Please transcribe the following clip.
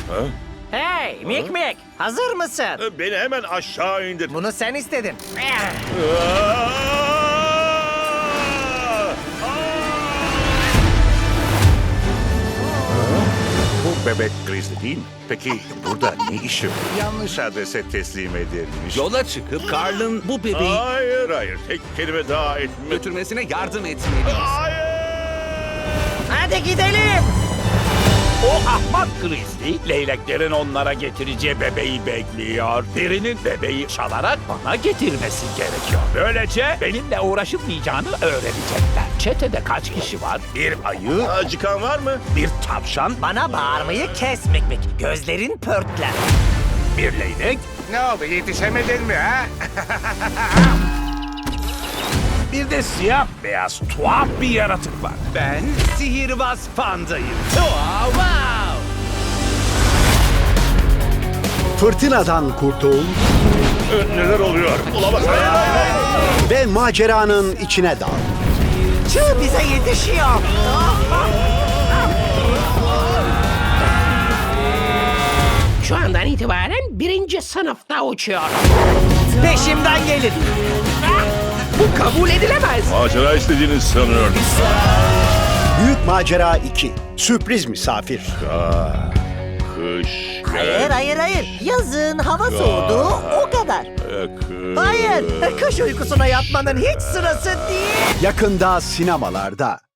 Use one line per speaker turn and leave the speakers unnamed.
Ha?
Hey Mik Mik, hazır mısın?
Beni hemen aşağı indir.
Bunu sen istedin.
Bu bebek Grizzly değil mi? Peki burada ne işi var? Yanlış adrese teslim edilmiş.
Yola çıkıp Carl'ın bu bebeği
Hayır. Tek kelime daha etme.
götürmesine yardım etmeliyiz.
Hayır.
Hadi gidelim.
O ahmak Grizzly, leyleklerin onlara getireceği bebeği bekliyor. Birinin bebeği çalarak bana getirmesi gerekiyor. Böylece benimle uğraşılmayacağını öğrenecekler. Çetede kaç kişi var? Bir ayı,
Acıkan var mı?
bir tavşan,
Bana bağırmayı kes Mik Mik. Gözlerin pörtler.
bir leylek,
Ne oldu, yetişemedin mi ha?
bir de siyah beyaz tuhaf bir yaratık var.
Ben sihirbaz pandayım. Wow, wow.
Fırtınadan kurtul
Neler oluyor? Olamaz. Hayır.
ve maceranın içine dal.
Çığ bize yetişiyor.
Şu andan itibaren birinci sınıfta uçuyorum.
Peşimden gelin.
Bu kabul edilemez.
Macera istediğini sanıyordum.
Büyük Macera 2. Sürpriz misafir.
Kış.
Hayır. Yazın hava soğudu, o kadar. Hayır, kış uykusuna yatmanın hiç sırası değil.
Yakında sinemalarda.